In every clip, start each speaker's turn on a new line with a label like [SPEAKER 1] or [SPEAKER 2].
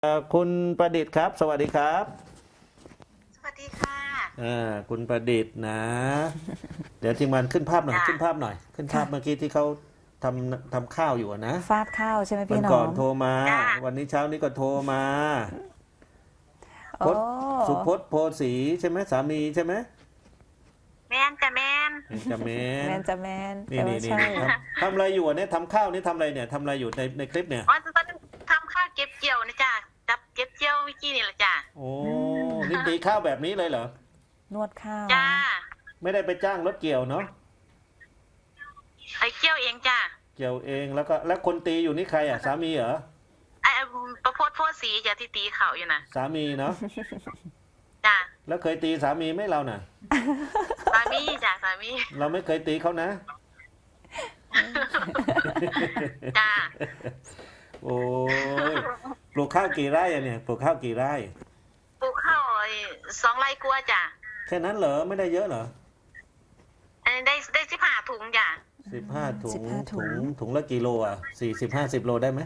[SPEAKER 1] คุณประดิษฐ์ครับสวัสดีครับ
[SPEAKER 2] สวัสดีค่ะ
[SPEAKER 1] คุณประดิษฐ์นะเดี๋ยวทีมงานขึ้นภาพหน่อย
[SPEAKER 2] จ้า
[SPEAKER 1] ขึ้นภาพหน่อยขึ้นภาพเมื่อ
[SPEAKER 3] ค่ะ
[SPEAKER 1] กี้ที่เขาทำข้าวอยู่อะนะ
[SPEAKER 3] ฟาดข้าวใช่ไหม
[SPEAKER 1] วัน
[SPEAKER 3] พี่น้อง
[SPEAKER 1] ก่อนโทรมา
[SPEAKER 2] จ้า
[SPEAKER 1] วันนี้เช้านี้ก็โทรมาพ
[SPEAKER 3] โอ้
[SPEAKER 1] จน์สุพจน์โพสีใช่ไหมสามีใช่ไหม
[SPEAKER 2] แมนจ้ะแมน
[SPEAKER 1] จะเม
[SPEAKER 3] แม
[SPEAKER 1] น
[SPEAKER 3] นจะแมน
[SPEAKER 1] นี่
[SPEAKER 3] แต่
[SPEAKER 1] นี่
[SPEAKER 3] ว่าใช่
[SPEAKER 1] นี่นี่ทำอะไรอยู่อะเนี่ยทำข้าวนี่ทำอะไรเนี่ยทำอะไรอยู่ในคลิปเนี่ย
[SPEAKER 2] อ๋อตอนนี้ทำข้าวเก็บเกี่ยวนะจ้ะจับเก็บเกี่ยวเมื่อกี้นี่แหละจ้ะ
[SPEAKER 1] โอ้นี่ตีข้าวแบบนี้เลยเหรอน
[SPEAKER 3] วดข้าว
[SPEAKER 2] จ้า
[SPEAKER 1] ไม่ได้ไปจ้างรถเกี่ยวเนาะ
[SPEAKER 2] ไอ้เกี่ยวเองจ้ะ
[SPEAKER 1] เกี่ยวเองแล้วคนตีอยู่นี่ใครอ่ะสามีเหรอ
[SPEAKER 2] ไอ้ประพดโพดสีจ้ะที่ตีเขาอยู่นะ
[SPEAKER 1] สามีเนาะ
[SPEAKER 2] จ้ะ
[SPEAKER 1] แล้วเคยตีสามีไหมเราน่ะ
[SPEAKER 2] สามีจ้ะสามี
[SPEAKER 1] เราไม่เคยตีเขานะ
[SPEAKER 2] จ้า
[SPEAKER 1] โอ้ยปลูกข้าวกี่ไร่อะเนี่ยปลูกข้าวกี่ไร่
[SPEAKER 2] ปลูกข้าวไอ้2 ไร่กว่าจ้ะ
[SPEAKER 1] แค่นั้นเหรอไม่ได้เยอะเหรอ
[SPEAKER 2] ได้15 ถุงจ้ะ
[SPEAKER 1] 15 ถุง
[SPEAKER 3] 15ถุง
[SPEAKER 1] ถุงละกิโลอ่ะ40-50 โลได้ไหม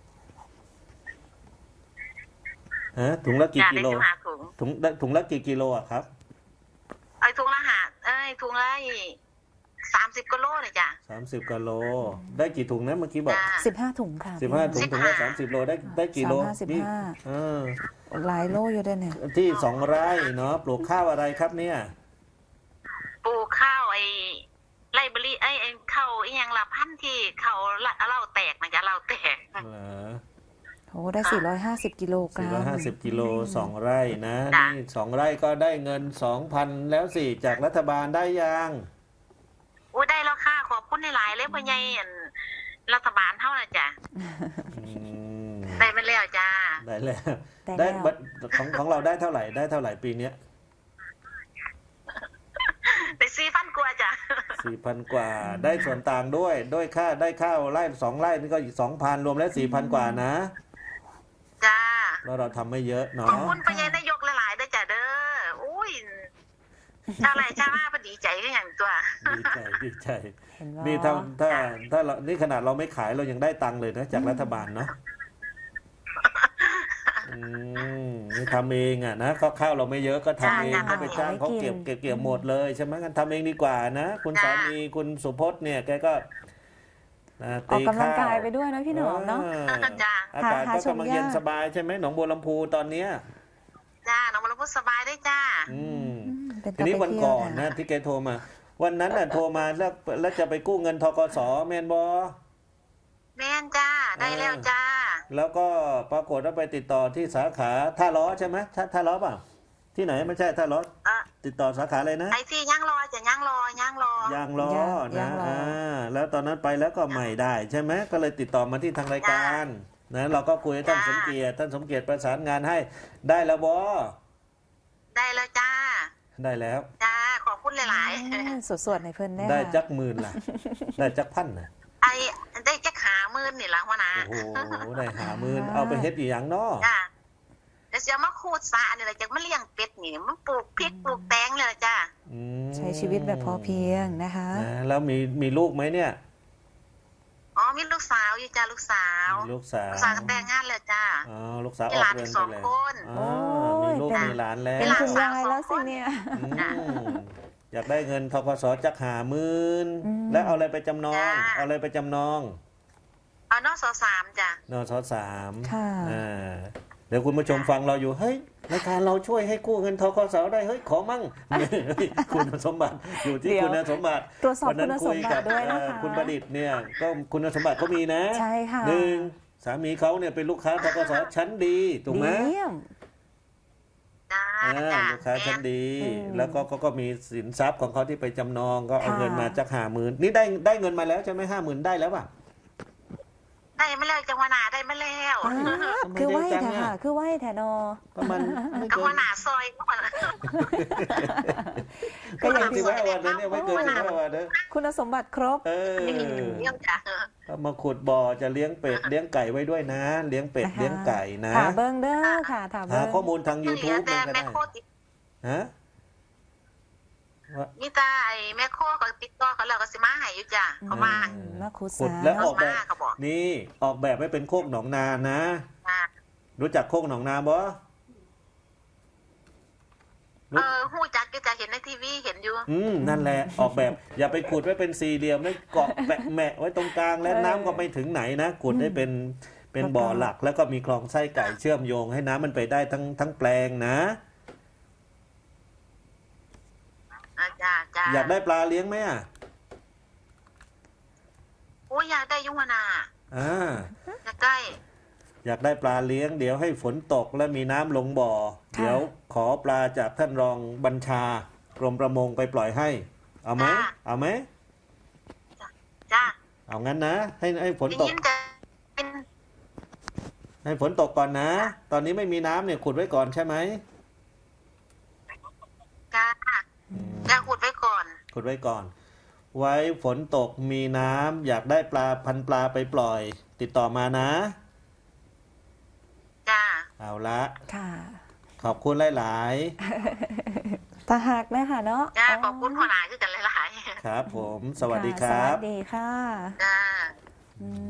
[SPEAKER 1] ฮะถุงละกี่
[SPEAKER 2] จ้ะ
[SPEAKER 1] กิ
[SPEAKER 2] ได้
[SPEAKER 1] โล
[SPEAKER 2] 15 ถุง
[SPEAKER 1] ถุงละกี่กิโลอ่ะครับ
[SPEAKER 2] ไอ้ถุงละถุงละ30 กิโลเลยจ้ะ
[SPEAKER 1] 30 กิโลได้กี่ถุงนะเมื่อกี้บอก
[SPEAKER 2] จ้ะ
[SPEAKER 3] 15 ถุงค่ะพี่
[SPEAKER 1] 15 ถุงถุงละ30 โลได้กี่โลนี่
[SPEAKER 3] 35
[SPEAKER 1] เออ
[SPEAKER 3] หลายโลอยู่ด้วยเนี่ย
[SPEAKER 1] ที่2 ไร่เนาะปลูกข้าวอะไรครับเนี่ย
[SPEAKER 2] ปลูกข้าวไอ้ไรเบอรี่ไอ้ข้าวอีหยังละพันธุ์ที่เขาเหล้าแตกนะจ๊ะเหล้าแตก
[SPEAKER 1] เหรอ
[SPEAKER 3] โอ้ได้450 กิโลกรัม
[SPEAKER 1] 450 กิโล2 ไร่นะ
[SPEAKER 2] จ้ะ
[SPEAKER 1] นี่2 ไร่ก็ได้เงิน 2,000 แล้วสิจากรัฐบาลได้ยัง
[SPEAKER 2] อุ้ยได้แล้วค่ะขอบคุณหลายๆเลยพ่อใหญ่อั่นรัฐบาลเท่าน่ะจ้ะ
[SPEAKER 1] อืม
[SPEAKER 2] ได้มาแล้วจ้า
[SPEAKER 1] ได้แล้ว
[SPEAKER 3] ได้
[SPEAKER 1] ได้
[SPEAKER 3] แล้ว
[SPEAKER 1] บัตรของเราได้เท่าไหร่ปีเนี้ย
[SPEAKER 2] ได้4,000 กว่าจ้ะ
[SPEAKER 1] 4,000 กว่าได้ส่วนต่างด้วยค่าได้ข้าวไร่2 ไร่นี่ก็อีก 2,000 รวมแล้ว 4,000 กว่านะ
[SPEAKER 2] จ้า
[SPEAKER 1] แล้วเราทำไม่เยอะ
[SPEAKER 2] ขอบ
[SPEAKER 1] เนาะ
[SPEAKER 2] คุณพ่อใหญ่นายกหลายๆเด้อจ้ะเด้ออุ้ยชาวไร่ชาวนาพอดีใจก็อย่างตัว
[SPEAKER 1] ดีใจ
[SPEAKER 3] เห็นว่า
[SPEAKER 1] นี่ถ้าเรานี่ขนาดเราไม่ขายเรายังได้ตังค์เลยนะจากรัฐบาลเนาะนี่ทำเองอ่ะนะก็ข้าวเราไม่เยอะก็ทำเอง
[SPEAKER 2] จ้ะ
[SPEAKER 1] ก็ไปจ้างเขาเก็บหมดเลยใช่ไหมกันทำเองดีกว่านะคุณสามีคุณสุพจน์เนี่ยแกก็
[SPEAKER 3] ออก
[SPEAKER 1] ตี
[SPEAKER 3] กำลัง
[SPEAKER 1] ข้าว
[SPEAKER 3] กายไปด้วยนะพี่หนอมเนาะ
[SPEAKER 2] จ้า
[SPEAKER 1] อากาศ
[SPEAKER 3] หา
[SPEAKER 1] ก็
[SPEAKER 3] ชม
[SPEAKER 1] กำลัง
[SPEAKER 3] ยาก
[SPEAKER 1] เย็นสบายใช่ไหมหนองบัวลำพูตอนเนี้ย
[SPEAKER 2] จ้าน้องมรพูดสบายได้จ้า
[SPEAKER 1] อืม
[SPEAKER 3] เป็น
[SPEAKER 1] ทีนี้
[SPEAKER 3] ไป
[SPEAKER 1] วัน
[SPEAKER 3] เที่ยว
[SPEAKER 1] ก่อน
[SPEAKER 3] ค่ะ
[SPEAKER 1] นะที่แกโทรมา วันนั้นน่ะโทรมาแล้วจะไปกู้เงินธกสแมนบอ
[SPEAKER 2] แม่นจ้าได้แล้วจ้า
[SPEAKER 1] แล้วก็ปรากฏว่าไปติดต่อที่สาขาท่าล้อใช่ไหมท่าล้อเปล่าที่ไหนไม่ใช่ท่าล้อติดต่อสาขาอะไรนะ
[SPEAKER 2] ไอ้ที่ย่างรอจะย่างร
[SPEAKER 1] ยางล้อนะแล้วตอนนั้นไปแล้วก็ไม่ได้ใช่ไหมก็เลยติดต่อมาที่ทางรายการนะเราก็คุยกับท่านสมเกียรติประสานงานให้ได้แล้วบอ
[SPEAKER 2] ได้แล้วจ้า
[SPEAKER 1] ได้แล้ว
[SPEAKER 2] จ้าขอบคุณหลาย
[SPEAKER 3] สวดๆในเพิ่นแน่
[SPEAKER 1] ได้จักหมื่นล่ะ ได้จักพันนะ
[SPEAKER 2] ๆไอ้ได้จักหามื่นนี่ละหัวหน้า
[SPEAKER 1] โอ้โหได้50,000เอาไปเฮ็ดอีหยังเนาะ
[SPEAKER 2] จ้าเดี๋ยวจะมาคูดสานี่แหละจะมาเลี้ยงเป็ดนี่มันปลูกพริกปลูกแตงเลยล่ะจ้า
[SPEAKER 3] ใช้ชีวิตแบบพอเพียงนะคะ
[SPEAKER 1] นะแล้วมีลูกไหมเนี่ย
[SPEAKER 2] อ๋อมีลูกสาวอยู่จ้าลูกสาว
[SPEAKER 1] มีลูกสาว
[SPEAKER 2] ลูกสาวก็แต่งงานแล้วจ้า
[SPEAKER 1] อ๋อลูกสาวอ
[SPEAKER 2] มี
[SPEAKER 1] อก
[SPEAKER 2] หลาน
[SPEAKER 1] เรื
[SPEAKER 2] อี
[SPEAKER 1] อน
[SPEAKER 2] ก
[SPEAKER 1] ไป
[SPEAKER 2] 2
[SPEAKER 1] แล้ว
[SPEAKER 2] คน
[SPEAKER 1] อ๋อมีลูกมีหลานแล้ว
[SPEAKER 3] เป็น
[SPEAKER 2] หลาน
[SPEAKER 3] คุณ
[SPEAKER 2] สาวย
[SPEAKER 3] ายแล้ว
[SPEAKER 2] 2
[SPEAKER 3] สิ
[SPEAKER 2] คน
[SPEAKER 3] เนี่ย
[SPEAKER 1] อืมอยากได้เงินธกสจัก50,000แล้วเอาอะไรไปจำนอง เอาอะไรไปจำนอง
[SPEAKER 2] เอาน้อง3จ้าน
[SPEAKER 1] สสาม
[SPEAKER 3] ค่ะ
[SPEAKER 1] เดี๋ยวคุณผู้ชมฟังเราอยู่เฮ้ยรายการเราช่วยให้กู้เงินธกสได้เฮ้ยขอมั่ง คุณสมบัติอยู่ที่
[SPEAKER 3] เดี๋ยว
[SPEAKER 1] คุณสมบัติ
[SPEAKER 3] ตรวจสอบ
[SPEAKER 1] วันนั้น
[SPEAKER 3] คุณส
[SPEAKER 1] คุ
[SPEAKER 3] ม
[SPEAKER 1] ย
[SPEAKER 3] บั
[SPEAKER 1] กั
[SPEAKER 3] ติด้วยนะคะ
[SPEAKER 1] คุณประดิษฐ์เนี่ยก็คุณสมบัติเขามีนะ
[SPEAKER 3] ใช่ค่ะ
[SPEAKER 1] หนึ่งสามีเขาเนี่ยเป็นลูกค้าธกสชั้นดีถูกไหม
[SPEAKER 3] เยี่ยม
[SPEAKER 2] จ้า
[SPEAKER 1] ลูกค้าชั้นดี แล้วก็มีสินทรัพย์ของเขาที่ไปจำนองก็เอา
[SPEAKER 3] ค่ะ
[SPEAKER 1] เงินมาจาก50,000นี่ได้เงินมาแล้วใช่ไหม50,000ได้แล้วป่ะ
[SPEAKER 2] ได้มาแล้วจังหวะหนาได้มาแล้ว
[SPEAKER 3] อ่าคือไหวแท้ค่ะ คือไหวแท้นอ
[SPEAKER 1] ประมาณไม่
[SPEAKER 2] จัง
[SPEAKER 1] เกิ
[SPEAKER 2] หวะ
[SPEAKER 1] น
[SPEAKER 2] หนาซอยก่อน
[SPEAKER 3] ก็อย่างที่
[SPEAKER 1] 15 วันนะเนี่ยไม่เกิน15 วันนะ
[SPEAKER 3] คุณสมบัติครบ
[SPEAKER 2] เยี่ยมจ้า
[SPEAKER 1] ก็มาขุดบ่อจะเลี้ยงเป็ดเลี้ยงไก่ไว้ด้วยนะ เลี้ยงเป็ด
[SPEAKER 3] นะคะ
[SPEAKER 1] เลี้ยงไก่นะ
[SPEAKER 3] ถามเบิ้งเด้อค่ะถาม
[SPEAKER 1] หา
[SPEAKER 3] เบิ้ง
[SPEAKER 1] ข้อมูลทาง YouTube
[SPEAKER 2] แต่
[SPEAKER 1] เลยก็
[SPEAKER 2] แม่
[SPEAKER 1] ได้
[SPEAKER 2] โคติด
[SPEAKER 1] ฮะ
[SPEAKER 2] มีตาไอ้แม่โคก็ติดต่อเขาแล้วก็สิมาให้อยู่จ้าเขามา
[SPEAKER 3] มาขุด
[SPEAKER 1] ขุด
[SPEAKER 3] สา
[SPEAKER 1] แล้วออกแบบ
[SPEAKER 2] เขาบอก
[SPEAKER 1] นี่ออกแบบให้เป็นโคกหนองนานะ
[SPEAKER 2] จ้า
[SPEAKER 1] รู้จักโคกหนองนาบ่
[SPEAKER 2] หู้จักก็จะเห็นในทีวีเห็นอยู่
[SPEAKER 1] นั่นแหละออกแบบ อย่าไปขุดไว้เป็นสี่เหลี่ยมแล้วเกาะแมะไว้ตรงกลางและน้ำก็ไม่ถึงไหนนะขุดให้เป็นบ่อหลัก แล้วก็มีคลองไส้ไก่เชื่อมโยงให้น้ำมันไปได้ทั้งแปลงนะ
[SPEAKER 2] จ้า
[SPEAKER 1] อยากได้ปลาเลี้ยงไหมอ่ะ
[SPEAKER 2] โอ้ยอยากได้ยุวนา
[SPEAKER 1] อ่า
[SPEAKER 2] อยากได้
[SPEAKER 1] อยากได้ปลาเลี้ยงเดี๋ยวให้ฝนตกและมีน้ำลงบ่อ
[SPEAKER 3] ค่ะ
[SPEAKER 1] เดี๋ยวขอปลาจากท่านรองบัญชากรมประมงไปปล่อยให้ เอาไหมเอาไหม
[SPEAKER 2] จ้า
[SPEAKER 1] เอางั้นนะให้ฝน
[SPEAKER 2] ได้
[SPEAKER 1] ตก
[SPEAKER 2] ยินจะเป็น
[SPEAKER 1] ให้ฝนตกก่อนนะ ตอนนี้ไม่มีน้ำเนี่ยขุดไว้ก่อนใช่ไหม
[SPEAKER 2] จ้าจะขุดไว้ก่อน
[SPEAKER 1] ขุดไว้ก่อน ไว้ฝนตกมีน้ำอยากได้ปลาพันปลาไปปล่อย ติดต่อมานะ
[SPEAKER 2] จ้า
[SPEAKER 1] เอาละ
[SPEAKER 3] ค่ะ
[SPEAKER 1] ขอบคุณหลาย
[SPEAKER 3] ตาหักนะคะเนาะ
[SPEAKER 2] จ้าขอบคุณหัวหน้าคือกันหลาย
[SPEAKER 1] ๆ ครับผม สวัสดีค
[SPEAKER 3] ค่ะ
[SPEAKER 1] รับ
[SPEAKER 3] สวัสดีค่ะ
[SPEAKER 2] ๆจ้า
[SPEAKER 3] อืม